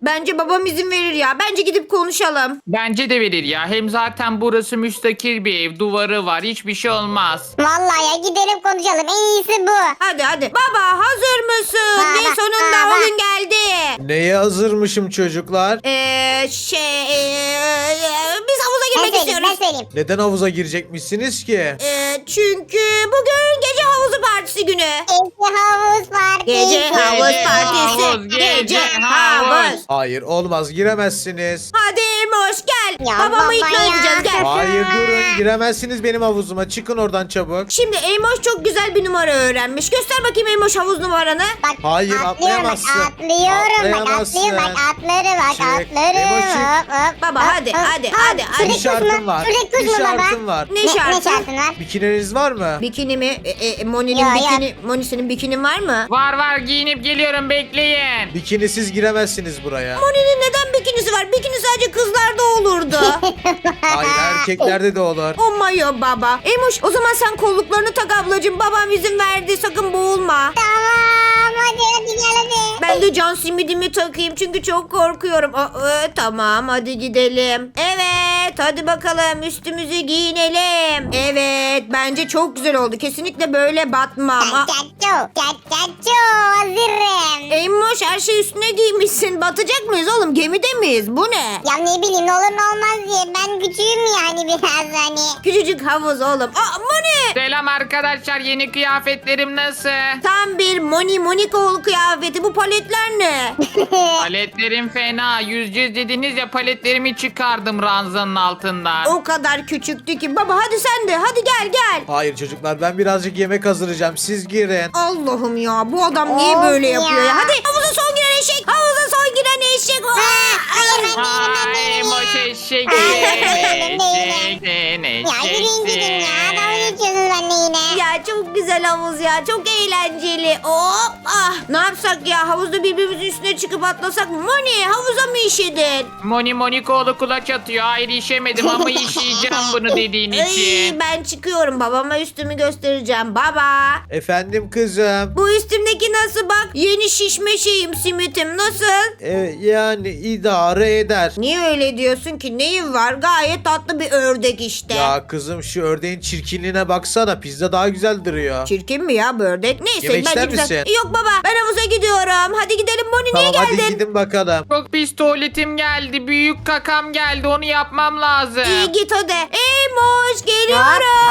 Bence babam izin verir ya. Bence gidip konuşalım. Bence de verir ya. Hem zaten burası müstakil bir ev. Duvarı var. Hiçbir şey olmaz. Vallahi ya gidelim konuşalım. En iyisi bu. Hadi. Baba hazır mısın? Baba, Ne sonunda baba. o gün geldi. Neye hazırmışım çocuklar? Biz havuza Ben girmek söyleyeyim istiyoruz. ben söyleyeyim. Neden havuza girecekmişsiniz ki? Çünkü bugün gece havuzu partisi günü. Gece havuz partisi. Gece havuz partisi. havuz, Gece gece havuz. havuz. Hayır olmaz giremezsiniz. Hadi Emoş gel. Ya Babamı baba ikna ya. edeceğiz gel. Hayır durun giremezsiniz benim havuzuma. Çıkın oradan çabuk. Şimdi Emoş çok güzel bir numara öğrenmiş. Göster bakayım Emoş havuz numaranı. Bak, Hayır, atlıyorum atlayamazsın. Bak, atlıyorum bak Atlayamazsın. atlıyorum bak atları bak Çık. atları. Emoş, çık. Hop, hop, Baba, hop, hadi, hop. hadi, Hop, hadi, hadi. Bir şuradaki şartım kuş mu? var. Şuradaki kuş Bir mu baba? şartım var. Ne şartı? Ne şartın var? Bikininiz var mı? Bikini mi? Moni'nin Ya, ya. bikini. Moni senin bikinin var mı? Var giyinip geliyorum bekleyin. Bikinisiz giremezsiniz buraya. Moni'nin neden bikinisi var? Bikini sadece kızlarda olurdu. Hayır erkeklerde de olur. Oh my baba. Emoş o zaman sen kolluklarını tak ablacığım. Babam izin verdi sakın boğulma. Tamam hadi gel hadi. Ben de can simidimi takayım çünkü çok korkuyorum. Tamam hadi gidelim. Evet hadi bakalım üstümüzü giyinelim. Evet bence çok güzel oldu. Kesinlikle böyle batmam. Çat hazırım. Emoş her şey üstüne giymişsin. Batacak mıyız oğlum? Gemide miyiz? Bu ne? Ya ne bileyim ne olur ne olmaz diye ben küçüğüm yani biraz hani. Küçücük havuz oğlum. Moni! Selam arkadaşlar. Yeni kıyafetlerim nasıl? Tam bir Monikoğlu kıyafeti. Bu paletler ne? Paletlerim fena. Yüzeceğiz dediniz ya, paletlerimi çıkardım ranzanın altından. O kadar küçüktü ki. Baba hadi sen de. Hadi gel. Hayır çocuklar ben birazcık yemek hazırlayacağım. Siz girin. Allah'ım ya bu adam niye Of böyle ya. yapıyor ya? Hadi havuza son giren eşek. Havuza son giren eşek. Hayır ben değilim. Boş eşek. Değilim. Eşeksin, Ya yürüyün gidin ya. eşeksin. Dalga geçiyorsunuz benimle yine. Ya çok güzel havuz ya. Çok eğlenceli. Hop. Ne yapsak ya? Havuzda birbirimizin üstüne çıkıp atlasak mı? Moni havuza mı işedin? Monikoğlu kulaç atıyor. Hayır işemedim ama işeyeceğim bunu dediğin için. Ben çıkıyorum. Babama üstümü göstereceğim. Baba. Efendim kızım. Bu üstümdeki nasıl bak? Yeni şişme şeyim simitim. Nasıl? Yani idare eder. Niye öyle diyorsun ki? Neyin var? Gayet tatlı bir ördek işte. Ya kızım şu ördeğin çirkinliğine baksana. Pizza daha güzel duruyor. Çirkin mi ya bu ördek? Neyse Yemek bence ister güzel. misin? Yok baba ben havuza gidiyorum. Hadi gidelim Moni niye Tamam hadi geldin? gidin bakalım. Çok pis tuvaletim geldi. Büyük kakam geldi. Onu yapmam lazım. İyi git hadi. Moş geliyorum.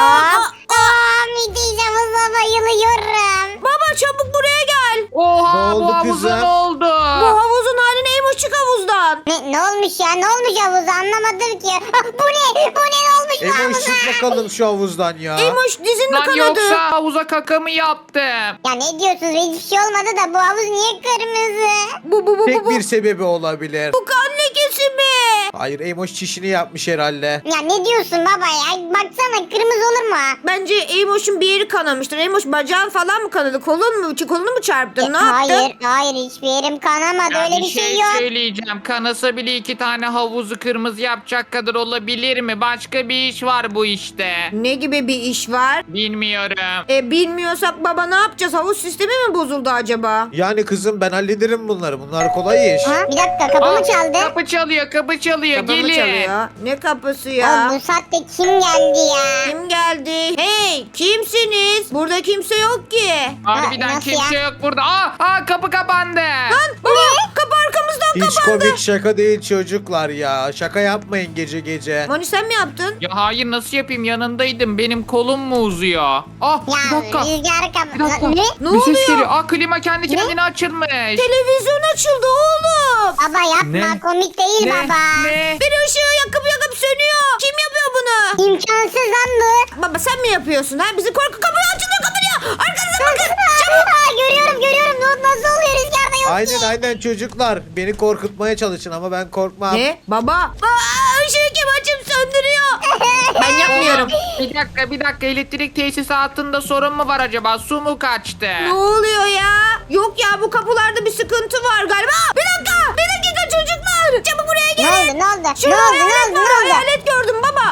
Müthiş havuza bayılıyorum. Baba çabuk buraya gel. Oha Ne oldu bu havuza kızım? ne oldu? Bu havuzun haline Emoş çık havuzdan. Ne olmuş ya? Ne olmuş havuza? Anlamadım ki. Bu ne? Bu ne olmuş bu Emoş havuza? çık bakalım şu havuzdan ya. Emoş dizin mi Lan kanadı? yoksa havuza kakamı yaptım. Ya ne diyorsunuz? Hiçbir şey olmadı da bu havuz niye kırmızı? Bu. Tek bir sebebi olabilir. Bu kan lekesi mi? Hayır Emoş çişini yapmış herhalde. Ya ne diyorsun baba ya? Baksana kırmızı olur mu? Bence Emoş'un bir yeri kanamıştır. Emoş bacağın falan mı kanadı? Kolunu mu çarptın? Ne yaptın? Hayır hiçbir yerim kanamadı. Ya Öyle bir bir şey yok. söyleyeceğim. Kanasa bile 2 tane havuzu kırmızı yapacak kadar olabilir mi? Başka bir iş var bu işte. Ne gibi bir iş var? Bilmiyorum. Bilmiyorsak baba ne yapacağız? Havuz sistemi mi bozuldu acaba? Yani kızım ben hallederim bunları. Bunlar kolay iş. Ha? Bir dakika kapımı Aa, çaldı. Kapı çalıyor. Kapı mı Gelin. çalıyor? Ne kapısı ya? Ya bu saatte kim geldi ya? Kim geldi? Hey kimsiniz? Burada kimse yok ki. Harbiden Nasıl kimse ya? yok burada. Kapı kapandı. Baba kapı arkamızdan Hiç kapandı. komik şaka değil çocuklar ya. Şaka yapmayın gece gece. Moni sen mi yaptın? Ya hayır nasıl yapayım, yanındaydım. Benim kolum mu uzuyor? Bir Ya dakika. rüzgar Bir dakika. Ne? Ne bir ses oluyor? geliyor. Klima kendi kendine açılmış. Televizyon açıldı oğlum. Baba yapma Ne? komik değil baba. Ne? Bir ışığı yakıp sönüyor. Kim yapıyor bunu? İmkansız lan bu. Baba sen mi yapıyorsun ha? Bizi kapıyı açılıyor kapanıyor. Arkanıza bakın. Görüyorum. Nasıl oluyor rüzgarda yok ki. Aynen çocuklar. Beni korkutmaya çalışın ama ben korkmam. Ne? Baba. Işığı kim açıp söndürüyor? Ben yapmıyorum. Bir dakika. Elektrik tesisatında sorun mu var acaba? Su mu kaçtı? Ne oluyor ya? Yok ya bu kapılarda bir sıkıntı var galiba. Bir dakika çocuklar. Çabuk buraya gelin. Ne oldu? Şurada hayalet var. Hayalet gördüm baba.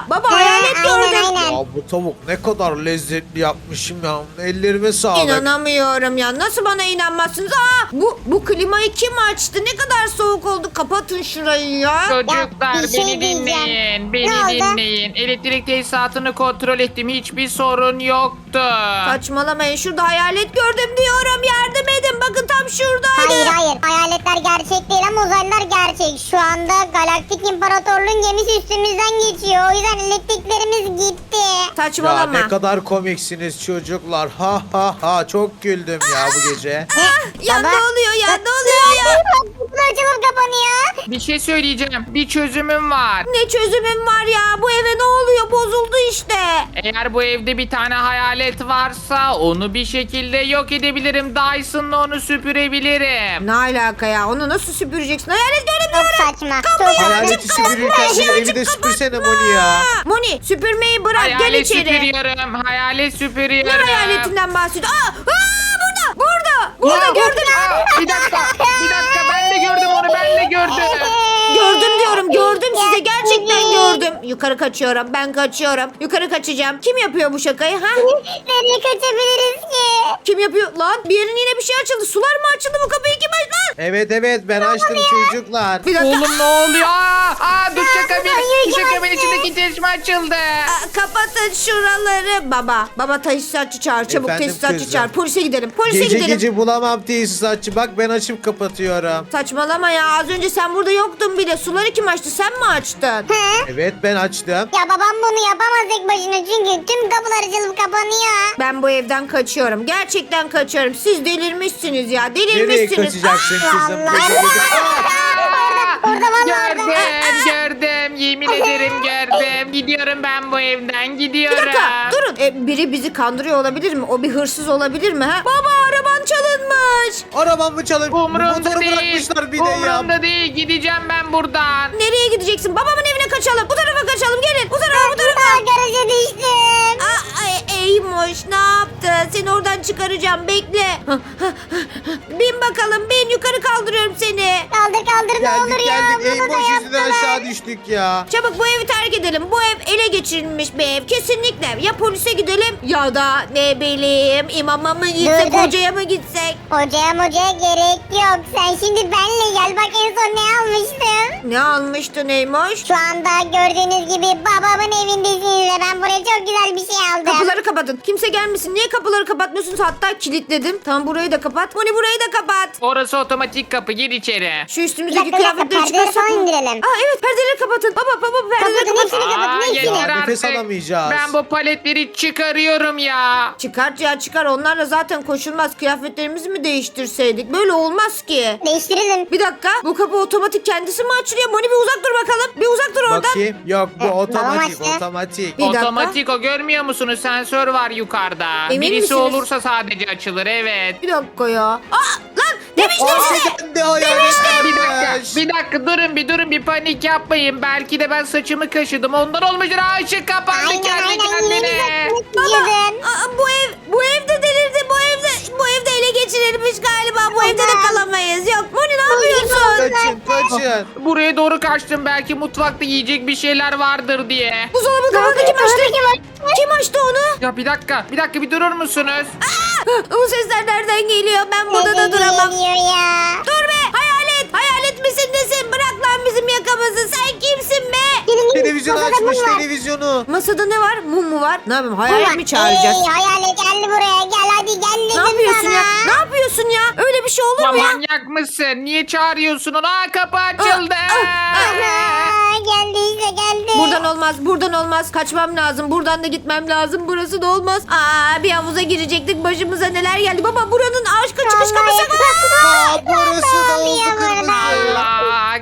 Baba hayalet aynen, gördüm. aynen. Ya bu tavuk ne kadar lezzetli yapmışım ya. Ellerime sağlık. İnanamıyorum ya. Nasıl bana inanmazsınız? Bu klimayı kim açtı? Ne kadar soğuk oldu. Kapatın şurayı ya. Çocuklar bir şey beni diyeceğim. dinleyin. Ne Beni oldu? dinleyin. Elektrik tesisatını kontrol ettim. Hiçbir sorun yoktu. Saçmalamayın. Şurada hayalet gördüm diyorum. Yardım edin. Bakın tam şuradaydı. Hayır. Hayaletler gerçek değil ama uzaylılar gerçek. Şu anda Galaktik İmparatorluğun gemisi üstümüzden geçiyor. O yüzden elektriklerimiz gitti. Ya Saçmalama. ne kadar komiksiniz çocuklar. Ha ha ha. Çok güldüm ya bu gece. Ya Baba. ne oluyor ya? Ne oluyor ya? Kutular açılıp kapanıyor. Bir şey söyleyeceğim. Bir çözümüm var. Ne çözümüm var ya? Bu eve ne oluyor? Bozuldu işte. Eğer bu evde bir tane hayalet varsa onu bir şekilde yok edebilirim. Dyson'la onu süpürebilirim. Ne alaka ya? Onu nasıl süpüreceksin? Hayalet gördüm Çok diyorum. saçma. Çok saçma. Hayaleti süpürürken bir evi de süpürsene Moni ya. Moni süpürmeyi bırak. Gel Hayalet içeri. süpürüyorum. Hayalet Ne süpürüyorum. hayaletinden bahsediyor? Burada. Burada Aa, gördüm. Bir dakika. Ben de gördüm onu. Ben de gördüm. Gördüm diyorum. Gördüm Ya, size. Gerçekten Moni. gördüm. Yukarı kaçıyorum. Ben kaçıyorum. Yukarı kaçacağım. Kim yapıyor bu şakayı? Ha? Nereye kaçabiliriz ki? Kim yapıyor? Lan bir yerin yine bir şey açıldı. Sular mı açıldı? Bu kapıyı kim açtı lan? Evet ben açtım çocuklar. Bir dakika. Oğlum ne oluyor? Duşakabin. Banyoyu Duşakabin açtı. içindeki çeşme açıldı. Kapatın şuraları. Baba tesisatçı çağır. Çabuk Efendim tesisatçı kızım. çağır. Polise gidelim. Polise Gece gidelim. gece bulamam tesisatçı. Bak ben açıp kapatıyorum. Saçmalama ya. Az önce sen burada yoktun bile. Suları kim açtı? Sen mi açtın? Evet ben açtım. Ya babam bunu yapamaz tek başına çünkü tüm kapılar açılıp kapanıyor. Ben bu evden kaçıyorum. Gerçekten kaçıyorum. Siz delirmişsiniz ya. Nereye Delirmişsiniz. kaçacaksın kızım? Allah. Gece gece. Orada vallahi orada. Gördüm. Yemin ederim gördüm. Gidiyorum ben bu evden. Bir Gidiyorum. dakika durun. Biri bizi kandırıyor olabilir mi? O bir hırsız olabilir mi? Ha? Baba araban çalınmış. Arabamı çalıp Umurumda motoru değil. bırakmışlar bir de ya. Umurumda değil. Gideceğim ben buradan. Nereye gideceksin? Babamın evine kaçalım. Bu tarafa kaçalım. Gelin. Bu tarafa bu tarafa. Aa, garaja düştüm. Eymoş ne yaptı? Seni oradan çıkaracağım. Bekle. Bin bakalım. Bin yukarı kaldırıyorum seni. Kaldır ne olur Geldik ya. geldik. Bunu Ey da boş yüzünden yaptılar. aşağı düştük ya. Çabuk bu evi terk edelim. Bu ev ele geçirilmiş bir ev. Kesinlikle. Ya polise gidelim ya da ne bileyim imama mı gitsek, Dur. hocaya mı gitsek? Hocaya gerek yok. Sen şimdi benle gel. Bak en son ne almıştım. Ne almıştın Eymoş? Şu anda gördüğünüz gibi babamın evindesiniz ve ben buraya çok güzel bir şey aldım. Kapıları kapatın. Kimse gelmesin. Niye kapıları kapatmıyorsunuz? Hatta kilitledim. Tamam burayı da kapat. Moni burayı da kapat. Orası otomatik kapı. Gir içeri. Şu Bir üstümüzdeki dakika, kıyafetleri perdeleri çıkarsak falan mı? indirelim. Evet perdeleri kapatın. Baba perdeleri Kapatın, kapatın. hepsini kapatın, hepsini. Yeter artık. Nefes alamayacağız. Ben bu paletleri çıkarıyorum ya. Çıkart ya çıkar. Onlarla zaten koşulmaz. Kıyafetlerimizi mi değiştirseydik? Böyle olmaz ki. Değiştirelim. Bir dakika. Bu kapı otomatik kendisi mi açılıyor? Moni bir uzak dur bakalım. Bir uzak dur oradan. Bakayım. Yok bu otomatik Babam açtı. otomatik. Bir dakika. Otomatik o, görmüyor musunuz? Sensör var yukarıda. Emin Birisi misiniz? olursa sadece açılır, evet. Bir dakika ya. Lan demiştim size. Kendi hayalet Bir dakika durun bir panik yapmayın. Belki de ben saçımı kaşıdım. Ondan olmuştur. Işık kapandı Aynen kendi yeni kendine. bir gidiyordun. Bu evde delirdi. Bu evde ele geçirilmiş galiba. Bu evde de kalamayız. Yok Moni ne yapıyorsun? Kaçın. Buraya doğru kaçtım. Belki mutfakta yiyecek bir şeyler vardır diye. Buzdolabı kapağını kim açtı? Kim açtı onu? Ya bir dakika bir durur musunuz? O sesler nereden geliyor? Ben burada da duramam. Geliyor ya. Dur be hayalet. Hayalet misin nesin? Bırak lan bizim yakamızı. Sen kimsin be? Televizyon Masada açmış mum var. televizyonu. Masada ne var? Mum mu var? Ne yapayım? Mum Hayalet var. mi çağıracağız? Hayalet geldi buraya. Gel hadi gel dedim Ne yapıyorsun sana. ya? Ne yapıyorsun ya? Öyle bir şey olur Ya mu ya? manyak mısın? Niye çağırıyorsun onu? Kapı açıldı. Aa, geldi işte geldi. Buradan olmaz. Kaçmam lazım. Buradan da gitmem lazım. Burası da olmaz. Bir havuza girecektik. Başımıza neler geldi. Baba buranın aşka çıkış kapısı. Burası da oldu Yapıyor kırmızı. Allah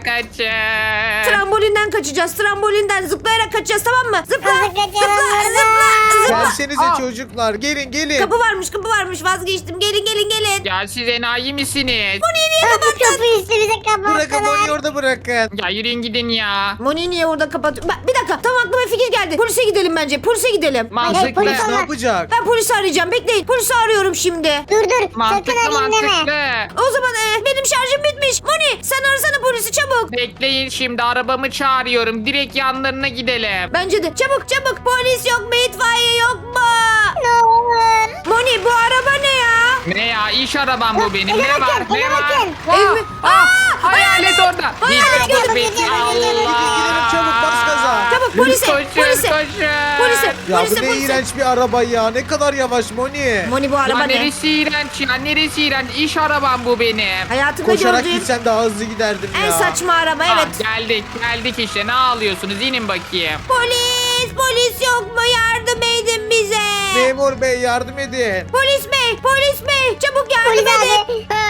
kaçın. Trambolinden kaçacağız. Trambolinden zıplayarak kaçacağız tamam mı? Zıpla. Hadi kaçalım Zıpla. buradan. Gelsenize Aa. çocuklar. Gelin. Kapı varmış vazgeçtim. Gelin. Ya siz enayi misiniz? Kapıyı üstümüze Bırakın kapattılar. Moni orada bırakın. Ya yürüyün gidin ya. Moni niye orada kapatıyor? Bir dakika tam aklıma fikir geldi. Polise gidelim bence. Polise gidelim. Mantıklı. polis Ne olmaz. yapacak? Ben polisi arayacağım. Bekleyin. Polisi arıyorum şimdi. Dur sakın Mantıklı arayayım deme. mantıklı. O zaman benim şarjım bitmiş. Moni sen arasana polisi çabuk. Bekleyin şimdi arabamı çağırıyorum. Direkt yanlarına gidelim. Bence de. Çabuk. Polis yok mu? İtfaiye yok mu? Ne olur. Moni bu araba ne ya? Ne ya iş arabam bu benim. Ele Ne var bakın, ne ele var? bakın. Ev mi? Hayalet orada. Hayalet Hiç gördüm. yok be. Gidelim, Allah. çabuk, bas gaza. Çabuk polise. Koşun Polise. koşun. Polise. Ya Polise. bu ne Polise. iğrenç bir araba ya. Ne kadar yavaş Moni. Moni bu Ya araba ne? neresi iğrenç ya neresi iğrenç. İş arabam bu benim. Hayatımda Koşarak gördüğüm gitsen daha hızlı giderdim ya. en saçma araba evet. Geldik işte ne ağlıyorsunuz inin bakayım. Polis yok mu? Yardım edin bize. Memur bey yardım edin. Polis bey çabuk yardım Polis edin. abi.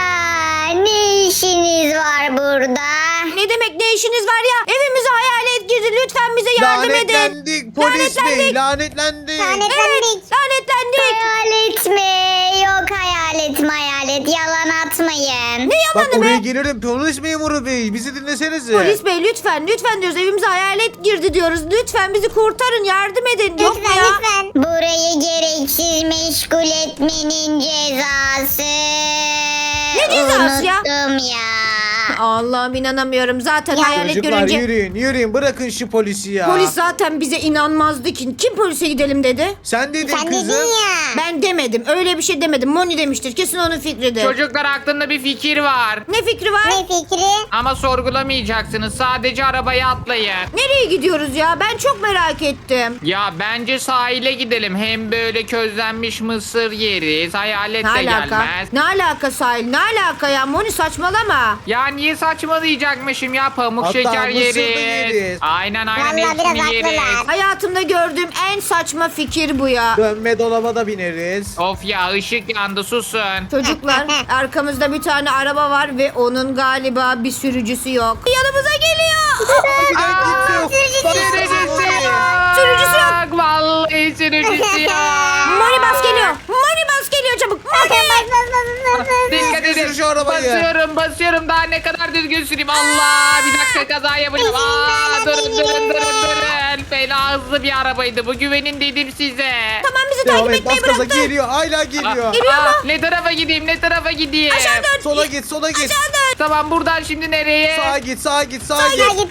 Ne işiniz var burada? Ne demek ne işiniz var ya? Evimize hayalet girdi. Lütfen bize yardım edin. Lanetlendik polis bey. Lanetlendik. Lanetlendik. Evet lanetlendik. Hayalet mi? Yok hayalet yalan atmayın. Ne Bak yalanı oraya be? gelirim polis memuru bey. Bizi dinlesenize. Polis bey lütfen diyoruz. Evimize hayalet girdi diyoruz. Lütfen bizi kurtarın yardım edin. Yok mu ya? Lütfen. Burayı gereksiz meşgul etmenin cezası. Ne cezası ya? Unuttum ya. Allah'ım inanamıyorum. Zaten Ya. hayalet Çocuklar görünce yürüyün bırakın şu polisi ya. polis zaten bize inanmazdı ki. Kim polise gidelim dedi? Sen dedin Sen kızım. dedin ya. Ben demedim. Öyle bir şey demedim. Moni demiştir. Kesin onun fikridir. Çocuklar aklımda bir fikir var. Ne fikri var? Ne fikri? Ama sorgulamayacaksınız. Sadece arabaya atlayın. Nereye gidiyoruz ya? Ben çok merak ettim. Ya bence sahile gidelim. Hem böyle közlenmiş mısır yeriz. Hayalet Ne de alaka? gelmez. Ne alaka sahil? Ne alaka ya? Moni saçmalama. Ya niye saçmalayacakmışım ya pamuk Hatta şeker mısır da yeriz. yeriz. Aynen Vallahi hepsini biraz yeriz. haklılar. Hayatımda gördüğüm en saçma fikir bu ya. Dönme dolaba da bineriz. Of ya ışık yandı susun. Çocuklar arkamızda bir tane araba var ve onun galiba bir sürücüsü yok. Yanımıza geliyor. Bir dakika kimse yok. Sürücüsü yok. Sürücüsü yok. Vallahi sürücüsü yok. Moni bas geliyor. Moni bas geliyor çabuk. Moni. Dikkat Sür edin. şu arabayı. Basıyorum. Daha ne kadar düzgün süreyim. Allah bir dakika kaza yapacağım. Aa, durun. Fena hızlı bir arabaydı. Bu güvenin dedim size. Tamam bizi Devam takip et bas etmeyi gaza bıraktı. geliyor. Hala geliyor. Ne tarafa gideyim? Aşağı dön. Sola git. Tamam buradan şimdi nereye? Sağa git. Sağa git Of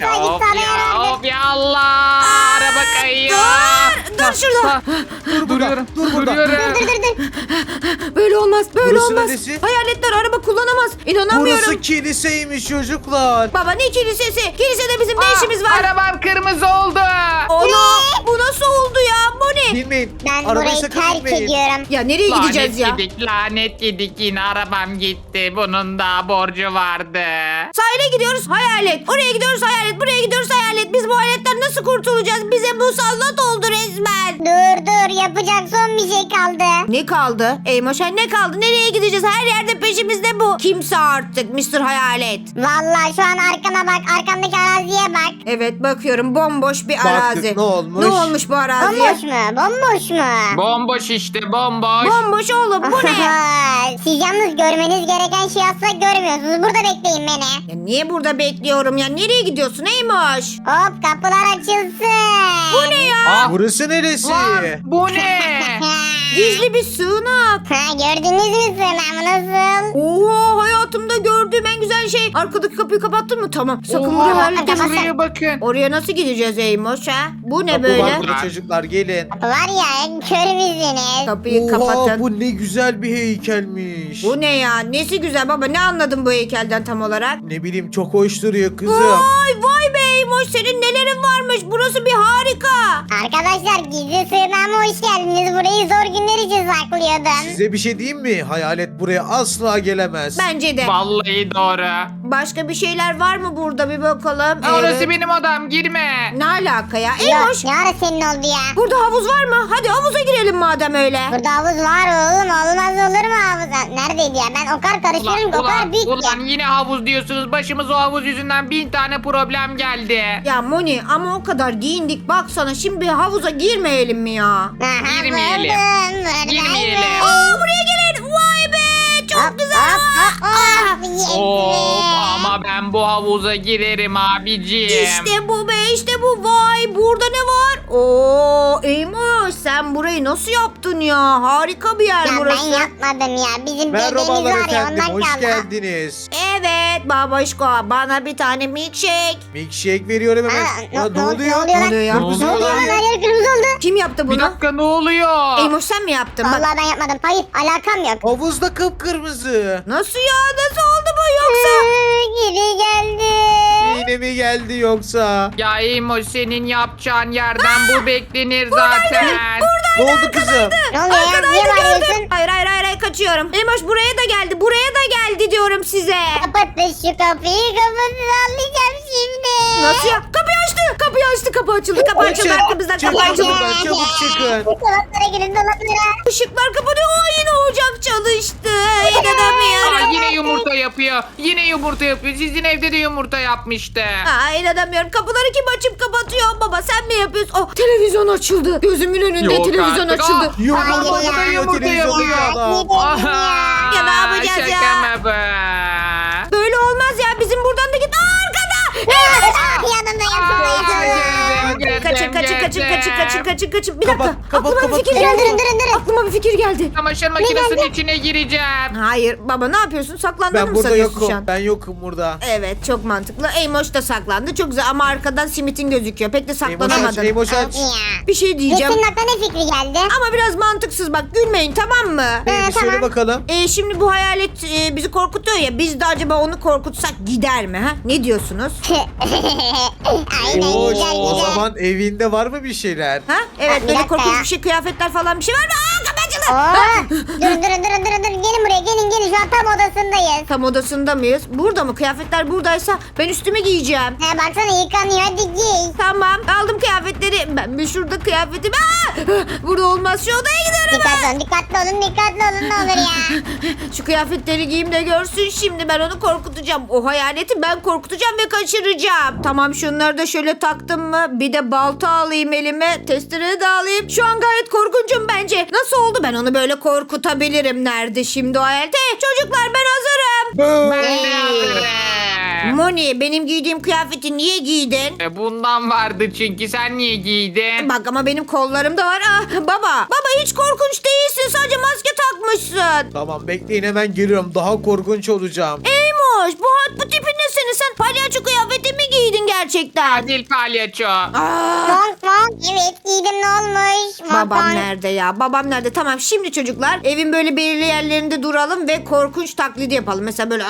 sana ya Allah. Araba kayıyor. Dur şurada. Dur burada. Dur burada. Duruyorum. Böyle olmaz. Böyle Burası olmaz. neresi? Hayaletler araba kullanamaz. İnanamıyorum. Burası kiliseymiş çocuklar. Baba ne kilisesi? Kilisede bizim ne işimiz var? Arabam kırmızı oldu. Ana bu nasıl oldu ya? Moni. Bilmeyin. Ben Arabayı burayı sakın terk binmeyin. ediyorum. Ya nereye gideceğiz ya? Lanet yedik yine arabam gitti. Bunun da borcu vardı. Sahile gidiyoruz hayalet. Oraya gidiyoruz hayalet. Buraya gidiyoruz hayalet. Biz bu hayaletten nasıl kurtulacağız? Bize bu sallat oldu resmen. Dur yapacak son bir şey kaldı. Ne kaldı? Eymoşen ne kaldı? Nereye gideceğiz? Her yerde peşimizde bu. Kimse artık Mr. Hayalet. Vallahi şu an arkana bak arkamdaki araziye bak. Evet bakıyorum bomboş bir Baktık, arazi. ne olmuş? Ne olmuş bu araziye? Bomboş mu? Bomboş işte bomboş. Bomboş oğlum bu ne? Siz yalnız görmeniz gereken şeyi asla görmüyorsunuz. Burada bekleyin beni. Ya niye burada bekliyorum ya? Nereye gidiyorsun Eymoş? Hop kapılar açılsın. Bu ne ya? Ah, Burası neresi? lan, bu ne? Gizli bir sığınak. Gördünüz mü sığınağımı nasıl? Oo hayatımda gördüğüm en güzel şey. Arkadaki kapıyı kapattın mı? Tamam. Sakın Oha, buraya hayalet kapat. deme. Şuraya bakın. Oraya nasıl gideceğiz Eymoş ha? Bu ne Kapı böyle? var burada çocuklar gelin. Kapı var ya kör müsünüz? Kapıyı Oha kapatın. bu ne güzel bir heykelmiş. Bu ne ya? Nesi güzel baba? Ne anladın bu heykelden tam olarak? Ne bileyim çok hoş duruyor kızım. Vay be Eymoş senin nelerin varmış? Burası bir harika. Arkadaşlar gizli sığınağıma hoş geldiniz. Burayı zor günler için saklıyordum. Size bir şey diyeyim mi? Hayalet buraya asla gelemez. Bence de. Vallahi doğru. Başka bir şeyler var mı burada bir bakalım. Orası benim odam, girme. Ne alaka ya? Yok Eymoş, ne ara senin oldu ya? burada havuz var mı? Hadi havuza girelim madem öyle. Burada havuz var oğlum, olmaz olur mu havuz? Neredeydi ya? Ben o kadar karıştırıyorum ki o kadar büyük ulan ki. yine havuz diyorsunuz. Başımız o havuz yüzünden 1000 tane problem geldi. Ya Moni ama o kadar giyindik baksana şimdi havuza girmeyelim mi ya? Aha, Girmeyelim. buradayım. Girmeyelim. Aa buraya gelin. Vay be çok Hop, güzel. hop, hop, hop. Yes Of be. ama ben bu havuza girerim abicim. İşte bu be işte bu. Vay burada ne var? Oo Eymoş sen burayı nasıl yaptın ya? Harika bir yer Ya burası. ben yapmadım ya. Bizim dedemiz Merhabalar var ya efendim, ondan hoş kaldı. geldiniz. Evet babaşko bana bir tane milkshake. Milkshake veriyorum hemen. Aa, Ya, ne oluyor? lan? Ne oluyor ya? Ne oluyor Ne oluyor lan? lan? Her yer kırmızı oldu. Kim yaptı Bir bunu? dakika, ne oluyor? Eymoş sen mi yaptın? Bak. Vallahi ben yapmadım. Hayır alakam yok. Havuzda kıpkırmızı. Nasıl ya? Nasıl oldu bu yoksa? Geri geldi. Yine mi geldi yoksa? Ya Emo, senin yapacağın yerden bu beklenir zaten. Ne oldu kızım? Ne oluyor ya? Niye bağırıyorsun? Hayır kaçıyorum. Eymoş buraya da geldi. Buraya da geldi diyorum size. Kapatın şu kapıyı. Kapatın anlayacağım şimdi. Nasıl ya? Kapıyı açtı. Kapıyı açtı. Kapı açıldı. Kapı açıldı. Arkamızdan kapı Çabuk açıldı. buradan, çabuk çıkın. Dolaplara girin dolaplara. Işıklar kapanıyor. Aa, yine ocak çalıştı. Aa, İnanamıyorum. yine yumurta yapıyor. Yine yumurta yapıyor. Sizin evde de yumurta yapmıştı. Aa, inanamıyorum. Kapıları kim açıp kapatıyor? Baba sen mi yapıyorsun? Oh, televizyon açıldı. Gözümün önünde Yok televizyon artık. açıldı. Aa, Yumurta Hayır ya. yapıyor, Yumurta televizyonda yapıyor. adam. Aha, Ya ne yapacağız ya? şaka mı bu? Böyle olmaz ya. Bizim buradan da git. Aa, arkada. Yanımda Girdim, Kaçın. Bir dakika. Kapat, Aklıma bir fikir Durun, geldi. durun. Aklıma bir fikir geldi. Çamaşır makinesinin içine gireceğim. Hayır baba ne yapıyorsun? Saklandığını Ben mı burada sanıyorsun şu yokum. an? Ben yokum burada. Evet çok mantıklı. Eymoş da saklandı. Çok güzel ama arkadan simitin gözüküyor. Pek de saklanamadın. Eymoş aç. Bir şey diyeceğim. Senin aklına ne fikri geldi? Ama biraz mantıksız bak gülmeyin tamam mı? Neymiş söyle tamam. bakalım. Şimdi bu hayalet bizi korkutuyor ya. Biz de acaba onu korkutsak gider mi? Ha? Ne diyorsunuz? Aynen Eymoş, güzel o güzel. zaman evinde var mı bir şeyler? Ha? Evet Bir böyle dakika korkunç ya. bir şey kıyafetler falan bir şey var mı? Aa kapı açıldı. Oo, durun. Gelin buraya gelin. Şu an tam odasındayız. Tam odasında mıyız? Burada mı? Kıyafetler buradaysa ben üstüme giyeceğim. He baksana yıkanıyor hadi giy. Tamam aldım kıyafetleri. Ben bir şurada kıyafetim. Aa! Burada olmaz şu odaya giderim. Dikkatli olun ne olur ya. Şu kıyafetleri giyeyim de görsün şimdi ben onu korkutacağım. O hayaleti ben korkutacağım ve kaçıracağım. Tamam şunları da şöyle taktım mı? Bir de balta alayım elime. Testere de alayım. Şu an gayet korkunçum bence. Nasıl oldu? Ben onu böyle korkutabilirim. Nerede şimdi o hayalet? Hey, çocuklar ben hazırım. Ben de hazırım. Moni benim giydiğim kıyafeti niye giydin? Bundan vardı çünkü, sen niye giydin? Bak ama benim kollarım da var. Ah, baba hiç korkunç değilsin. Sadece maske takmışsın. Tamam bekleyin hemen geliyorum. Daha korkunç olacağım. Eymoş bu tipin ne senin? Sen palyaço kıyafeti mi giydin gerçekten? Adil palyaço. Aa, Monk evet giydim ne olmuş? babam nerede ya? Babam nerede? Tamam şimdi çocuklar evin böyle belirli yerlerinde duralım ve korkunç taklidi yapalım. Mesela böyle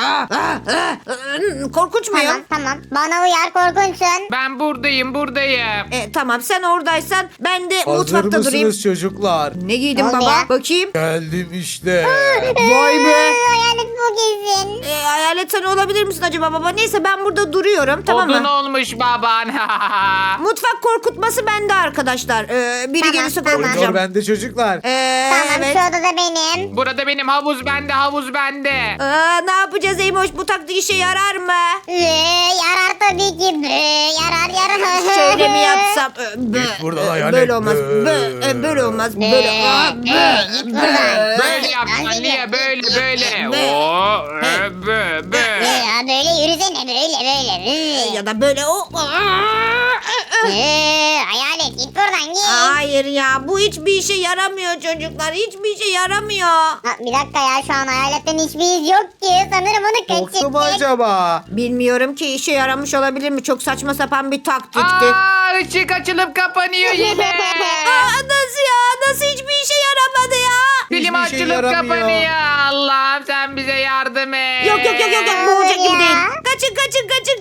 korkunç muyum? Tamam bana uyar korkunçsun. Ben buradayım. Tamam sen oradaysan ben de Hazır mutfakta mısınız durayım. çocuklar? Ne giydin Ne oldu baba? ya? Bakayım. Geldim işte. Vay be. Hayalet bu kesin. Hayalet sen olabilir misin acaba baba? Neyse ben burada duruyorum tamam Odun mı? olmuş baban. Mutfak korkutması bende arkadaşlar. Biri Tamam, gelirse tamam. korkutacağım. Koridor bende çocuklar. Tamam Evet. şu odada benim. Burada benim, havuz bende. Ne yapacağız Eymoş? Bu taktik işe yarar mı? Yarar tabii ki. Yarar. Şöyle mi yapsam? Git buradan hayalet. Böyle olmaz. Böyle olmaz. Böyle. Git buradan. Böyle yapacaksın. Niye? Böyle. Be. Oo, be. Ya böyle yürüsene böyle. Ya da böyle o. Hayalet git buradan git. Hayır ya bu hiçbir işe yaramıyor çocuklar. Hiçbir işe yaramıyor. Ha, bir dakika ya şu an hayaletten hiçbir iz yok ki. Sanırım onu Yoksa mı kaçırdık. acaba? Bilmiyorum ki işe yaramış olabilir mi? Çok saçma sapan bir taktikti. Işık açılıp kapanıyor yine. Nasıl ya? Nasıl hiçbir işe yaramadı ya? Film Hiçbir şey açılıp yaramıyor. kapanıyor. Allah'ım sen bize yardım et. Yok. Bu olacak gibi Ya. değil. Kaçın.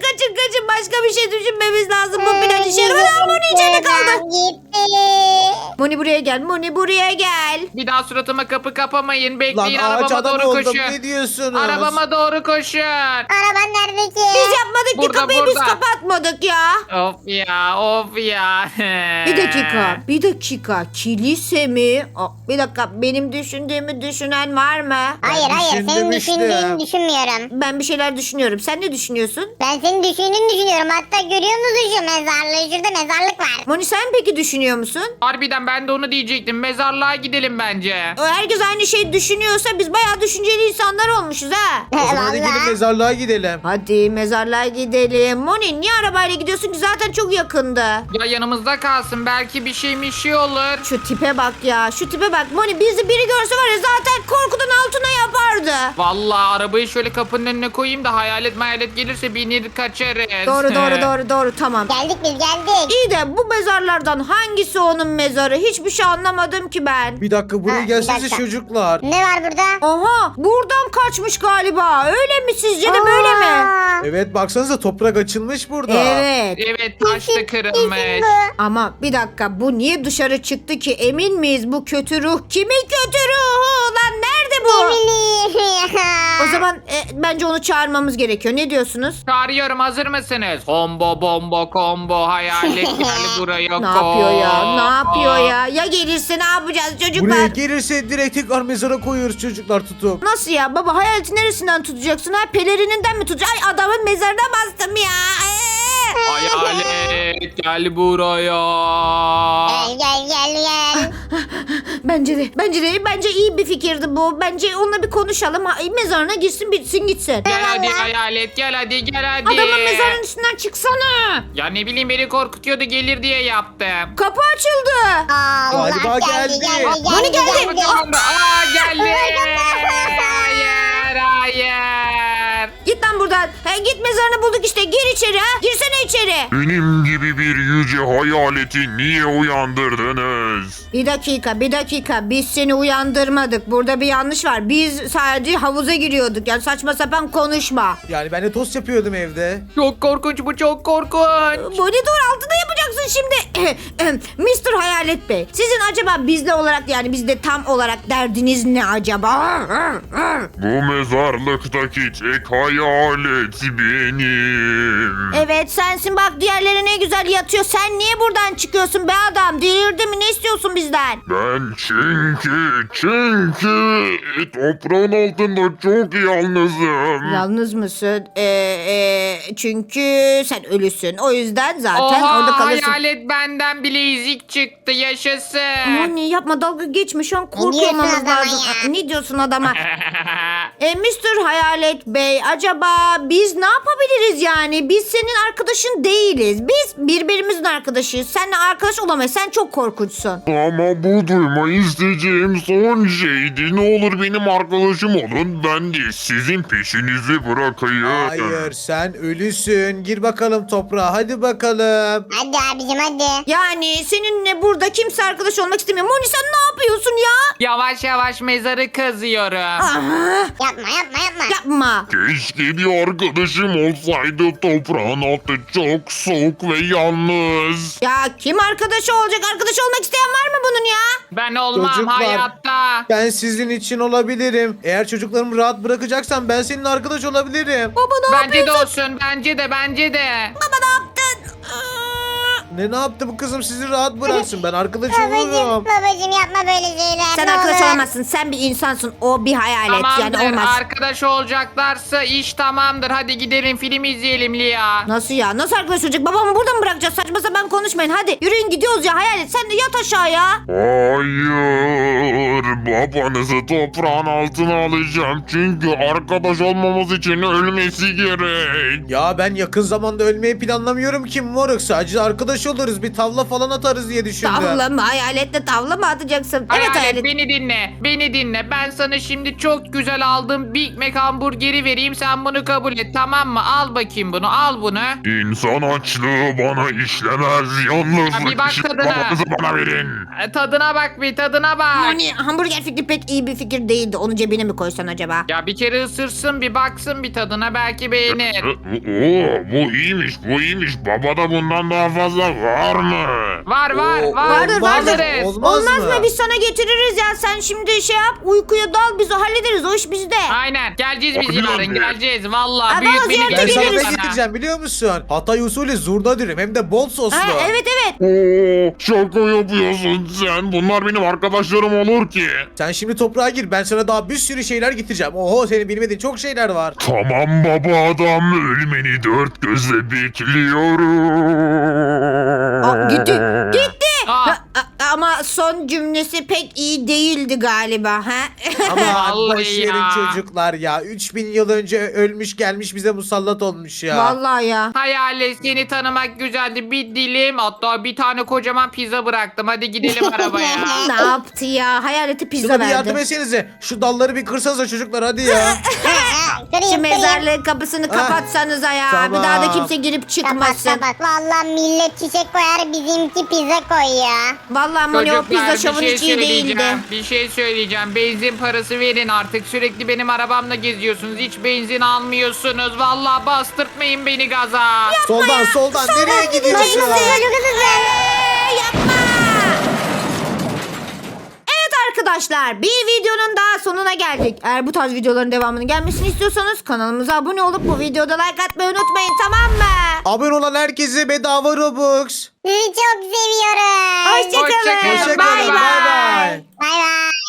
Başka bir şey düşünmemiz lazım. Bu plan işe yaramıyor. Ama bunun içinde kaldı. Gitti. Moni buraya gel. Moni buraya gel. Bir daha suratıma kapı kapamayın. Lan Bekleyin ağaç arabama adam doğru oldum. koşun. Ne diyorsunuz? Arabama doğru koşun. Araban nerede ki? Biz yapmadık ki Burada, kapıyı biz burada. kapatmadık ya. Of ya of ya. Bir dakika. Kilise mi? Bir dakika, benim düşündüğümü düşünen var mı? Hayır senin düşündüm işte. düşündüğünü düşünmüyorum. Ben bir şeyler düşünüyorum. Sen ne düşünüyorsun? Ben senin düşündüğünü düşünüyorum. Hatta görüyor musun şu mezarlığı? Şurada mezarlık var. Moni sen peki düşünüyor musun? Harbiden ben de onu diyecektim. Mezarlığa gidelim bence. Herkes aynı şeyi düşünüyorsa biz bayağı düşünceli insanlar olmuşuz ha. O zaman hadi gidin Vallahi. mezarlığa gidelim. Hadi mezarlığa gidelim. Moni niye arabayla gidiyorsun ki, zaten çok yakındı. Ya yanımızda kalsın. Belki bir şey olur. Şu tipe bak ya, şu tipe bak. Moni bizi biri görse var ya zaten korkudan altına yapardı. Vallahi arabayı şöyle kapının önüne koyayım da hayalet gelirse binir kaçarız. Doğru tamam. Geldik biz geldik. İyi de bu mezarlardan hangisi onun mezarı? Hiçbir şey anlamadım ki ben. Bir dakika buraya Ha, bir gelsenize dakika. çocuklar. Ne var burada? Aha, buradan kaçmış galiba. Öyle mi, sizce de böyle mi? Aa, Evet baksanıza toprak açılmış burada. Evet. Evet taş da kesin kırılmış. bu. Ama bir dakika, bu niye dışarı çıktı ki? Emin miyiz bu kötü ruh? Kimin kötü ruhu? Lan nerede bu? Ne bileyim ya. O zaman bence onu çağırmamız gerekiyor. Ne diyorsunuz? Çağırıyorum, hazır mısınız? Combo bombo combo hayalet gel buraya. Ne yapıyor ya? Ne yapıyor ya? Ya gelirse ne yapacağız Buraya çocuklar? gelirse direkt tekrar mezara koyuyoruz çocuklar tutup. Nasıl ya baba, hayaleti neresinden tutacaksın? Ha, pelerininden mi tutacaksın? Ay, adamın mezarına bastım ya. Hayalet gel buraya. Gel. Bence iyi bir fikirdi bu. Bence onunla bir konuşalım. Mezarına girsin, bitsin gitsin. Gel hadi hayalet gel hadi. Adamın mezarının üstünden çıksana. Ya ne bileyim beni korkutuyordu gelir diye yaptım. Kapı açıldı. Allah Galiba geldi. Hani geldi? Aa geldi. Hayır. Git lan buradan. Git, mezarını bulduk işte. Gir içeri ha. Girsene içeri. Benim gibi bir yüce hayaleti niye uyandırdınız? Bir dakika. Biz seni uyandırmadık. Burada bir yanlış var. Biz sadece havuza giriyorduk. Yani saçma sapan konuşma. Yani ben de tost yapıyordum evde. Çok korkunç bu, çok korkunç. Monitör altında yapacaksın şimdi. Mr. Hayalet Bey. Sizin acaba bizle olarak, yani bizde tam olarak derdiniz ne acaba? Bu mezarlıktaki tek hayalet benim. Evet sensin, bak diğerleri ne güzel yatıyor. Sen niye buradan çıkıyorsun be adam? Delirdin mi? Ne istiyorsun bizden? Ben çünkü toprağın altında çok yalnızım. Yalnız mısın? Çünkü sen ölüsün. O yüzden zaten Oha orada kalırsın. hayalet benden bilezik çıktı yaşasın. Moni yapma, dalga geçme, şu an diyorsun korkmamamız adama lazım. ya? Ne diyorsun adama? Mr. Hayalet Bey, acaba biz ne yapabiliriz yani? Biz senin arkadaşın değiliz. Biz birbirimizin arkadaşıyız. Seninle arkadaş olamayız. Sen çok korkunçsun. Ama bu duymayı isteyeceğim son şeydi. Ne olur benim arkadaşım olun. Ben de sizin peşinizi bırakayım. Hayır sen ölüsün. Gir bakalım toprağa hadi bakalım. Hadi abicim hadi. Yani seninle burada kimse arkadaş olmak istemiyor. Moni sen ne yapıyorsun ya? Yavaş yavaş mezarı kazıyorum. Aha, Yapma. yapma. Keşke bir arkadaşım olsaydı. Toprağın altı çok soğuk ve yalnız. Ya kim arkadaşı olacak? Arkadaş olmak isteyen var mı bunun ya? Ben olmam Çocuklar. hayatta. Ben sizin için olabilirim. Eğer çocuklarımı rahat bırakacaksan ben senin arkadaş olabilirim. Baba ne Bence de yapıyorsun? olsun bence de. Baba ne yaptın? Ne yaptı bu kızım sizi rahat bıraksın. Ben arkadaş olurum. Babacım yapma böyle şeyler. Sen ne arkadaş olur. olamazsın. Sen bir insansın. O bir hayalet. Tamamdır Yani olmaz. arkadaş olacaklarsa iş tamamdır. Hadi gidelim film izleyelim Lia. Nasıl ya? Nasıl arkadaş olacak? Babamı burada mı bırakacağız? Saçma sapan konuşmayın. Hadi yürüyün gidiyoruz ya. Hayalet sen de yat aşağıya. Hayır, babanızı toprağın altına alacağım çünkü arkadaş olmamız için ölmesi gerek. Ya ben yakın zamanda ölmeyi planlamıyorum ki moruk. Sadece arkadaş oluruz. Bir tavla falan atarız diye düşündüm. Tavla mı? Hayaletle tavla mı atacaksın? Evet Hayalet hayalet. beni dinle. Ben sana şimdi çok güzel aldığım Big Mac hamburgeri vereyim. Sen bunu kabul et tamam mı? Al bakayım bunu al bunu. İnsan açlığı bana işlemez. Yalnızlık Ya bir bak işi tadına. babanızı bana verin. Tadına bak bir tadına bak. Moni hamburger fikri pek iyi bir fikir değildi. Onu cebine mi koysan acaba? Ya bir kere ısırsın bir baksın bir tadına belki beğenir. Oo, bu iyiymiş. Baba da bundan daha fazla var mı? Var Oo, Vardır, olmaz vardır. mı? Olmaz mı? Biz sana getiririz ya. Sen şimdi şey yap, uykuya dal, biz hallederiz. O iş bizde. Aynen. Geleceğiz biz Hadi yarın. lan. Geleceğiz. Valla. Aa, Büyük baba, beni ziyarete Ben sana geliriz. ne getireceğim biliyor musun? Hatay usulü zurna dürüm hem de bol soslu. Ha, evet. Oo, şaka yapıyorsun sen. Bunlar benim arkadaşlarım olur ki. Sen şimdi toprağa gir, ben sana daha bir sürü şeyler getireceğim. Oho, senin bilmediğin çok şeyler var. Tamam baba adam, ölmeni dört gözle bekliyorum. Gitti. Aa. Ama son cümlesi pek iyi değildi galiba. Ha? Ama Vallahi boş verin ya. çocuklar ya. 3000 yıl önce ölmüş gelmiş bize musallat olmuş ya. Vallahi ya. Hayalet, seni tanımak güzeldi. Bir dilim, hatta bir tane kocaman pizza bıraktım. Hadi gidelim arabaya. Ne yaptı ya? Hayaleti pizza Şuna bir yardım verdi. etsenize. Şu dalları bir kırsanıza çocuklar hadi ya. Şu mezarlığın kapısını kapatsanıza ya. Tamam. Bir daha da kimse girip Kapat çıkmasın. kapat. Valla millet çiçek koyar bizimki pizza koyuyor. Vallahi Moni o pizza Çocuklar, şovun hiç iyi değildi. Bir şey söyleyeceğim. Benzin parası verin artık. Sürekli benim arabamla geziyorsunuz. Hiç benzin almıyorsunuz. Vallahi bastırtmayın beni gaza. soldan nereye gidiyorsun? Yapma. Evet arkadaşlar, bir videonun daha sonuna geldik. Eğer bu tarz videoların devamının gelmesini istiyorsanız kanalımıza abone olup bu videoda like atmayı unutmayın, tamam mı? Abone olan herkese bedava Robux. Sizi çok seviyorum. Hoşçakalın. Hoşçakalın. Hoşçakalın. Bay Bay bay. Bay bay.